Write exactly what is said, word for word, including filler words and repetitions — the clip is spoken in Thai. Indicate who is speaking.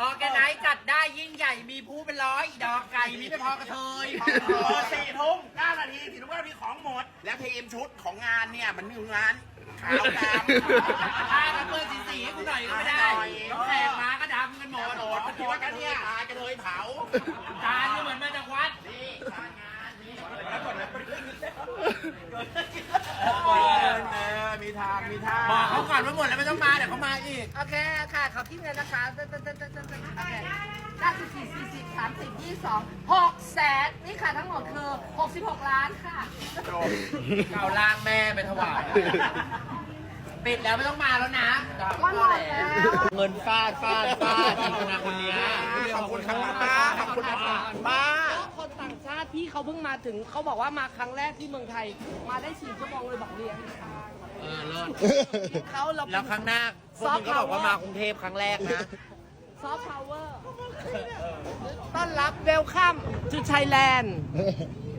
Speaker 1: ออแกไนท์จัดได้ยิ่งใหญ่มีผู้เป็นร้อยดอกไก่มีไม่พอกระเทย
Speaker 2: พอสี่ทุ่มเก้านาทีสี่ทุ่มเก้านาทีของหมด แล้วทีมชุดของงานเนี่ยมันมีงานขาวดำ
Speaker 1: ถ้ากันเปิดสีสีให้กูหน่อยก็ไม่ได้ต้องแขกมาก็ดำกันหมด
Speaker 2: โดดมันคิดว่ากันเนี่ยตายกันเลยเผา
Speaker 1: จานก็เหมือนมาจากวัด
Speaker 2: นี่งานนี่แล้วก่อนนะมีทางมีทาง
Speaker 1: บอกเขาก่อนว่าหมดแล้วไม่ต้องมาเดี๋ยวเขามาอีก
Speaker 3: โอเคค่ะขอคิดเงินนะคะโอเคเก้าสิบสี่สี่สิบสามสิบยี่สิบสองหกแสนนี่ค่ะทั้งหมดคือหกสิบหกล้านค่ะ
Speaker 1: เก่าล่างแม่ไปถวายปิดแล้วไม่ต้องมาแล้วนะ
Speaker 3: ก็หมดแล้ว
Speaker 1: เงินฟาดฟาดฟาดอีกคนคนนี้
Speaker 2: ขอบคุณครับป้าขอบคุณครับป้า
Speaker 3: คนต่างชาติพี่เขาเพิ่งมาถึงเขาบอกว่ามาครั้งแรกที่เมืองไทย มาได้สี่ชั่วโมงเลยบอกเรียน
Speaker 1: เออเลิศ
Speaker 3: เขาเรา
Speaker 1: แล้วครั้งหน้าพวกมึงก็บอกว่ามากรุงเทพครั้งแรกนะ
Speaker 3: ซอฟต์พาวเวอร์ต้อนรับเวลคัมทูไทยแลนด์